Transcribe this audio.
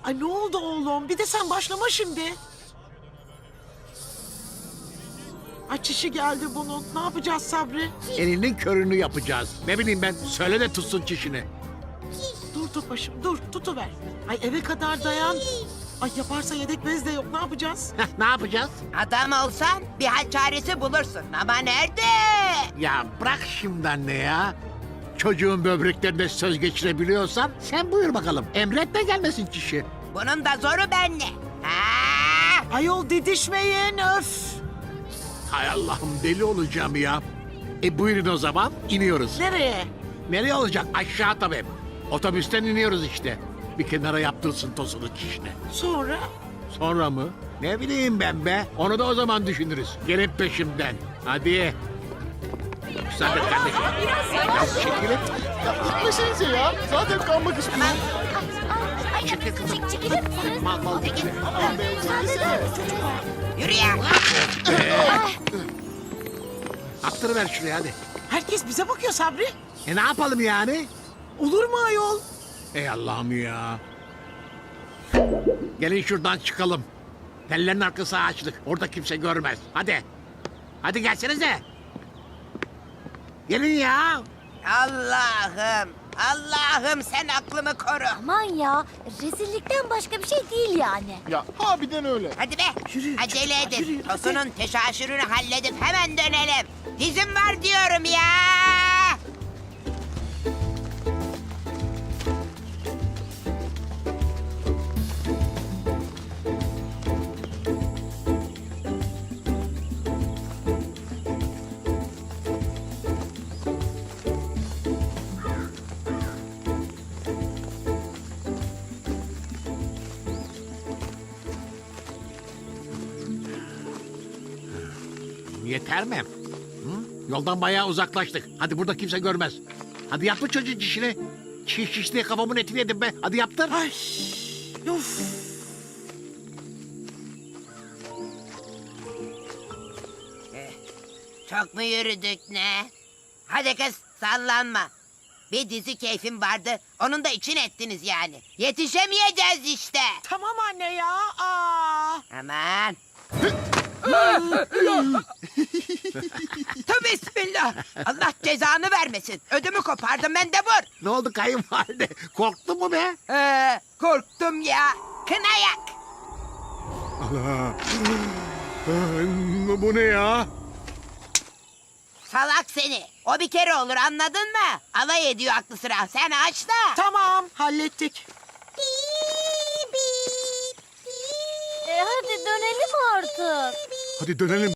Ay ne oldu oğlum? Bir de sen başlama şimdi. Ay çişi geldi bunun. Ne yapacağız Sabri? Elinin körünü yapacağız. Ne bileyim ben, söyle de tutsun çişini. Dur Topaş'ım dur tutuver. Ay eve kadar dayan. Ay yaparsa yedek bez de yok ne yapacağız? Heh, ne yapacağız? Adam olsan bir hal çaresi bulursun ama nerede? Ya bırak şimdi anne ya. Çocuğun böbreklerine söz geçirebiliyorsan sen buyur bakalım. Emretme gelmesin çişi. Bunun da zoru benle. Ha! Ayol didişmeyin öf. Hay Allah'ım deli olacağım ya. Buyurun o zaman iniyoruz. Nereye? Nereye olacak? Aşağı tabii. Otobüsten iniyoruz işte. Bir kenara yaptırsın tosunu çişini. Sonra? Sonra mı? Ne bileyim ben be. Onu da o zaman düşünürüz. Gelin peşimden. Hadi. Müsaade kardeşim. Ya çekilin. Gitmesenize ya. Zaten kalmak istiyorum. Çekil kızım. Mal mal geçme. Aman be, çekilsene. Yürü ya. Attırıver şuraya hadi. Herkes bize bakıyor Sabri. Ne yapalım yani? Olur mu ayol? Ey Allah'ım ya. Gelin şuradan çıkalım. Tellerin arkası ağaçlık. Orada kimse görmez. Hadi. Hadi gelsenize. Gelin ya. Allah'ım. Allah'ım sen aklımı koru. Aman ya, rezillikten başka bir şey değil yani. Ya harbiden öyle. Hadi be. Yürü, Acele çocuklar, edin. yürü, hadi. Tosunun teşaşürünü halledip hemen dönelim. Dizim var diyorum ya. Yeter mi? Hı? Yoldan bayağı uzaklaştık. Hadi burada kimse görmez. Hadi yaptır çocuğun çişini. Çiş diye kafamın etini yedim be. Hadi yaptır. Ay of. Çok mu yürüdük ne? Hadi kız sallanma. Bir dizi keyfim vardı. Onun da için ettiniz yani. Yetişemeyeceğiz işte. Tamam anne ya. Aa. Aman. Tövbe bismillah. Allah cezanı vermesin. Ödümü kopardım ben de vur. Ne oldu kayınvalide? Korktun mu be? Korktum ya. Kınayak. Bu ne ya? Salak seni. O bir kere olur anladın mı? Alay ediyor aklı sıra. Sen aç da. Tamam hallettik. Hadi dönelim artık. Hadi dönelim.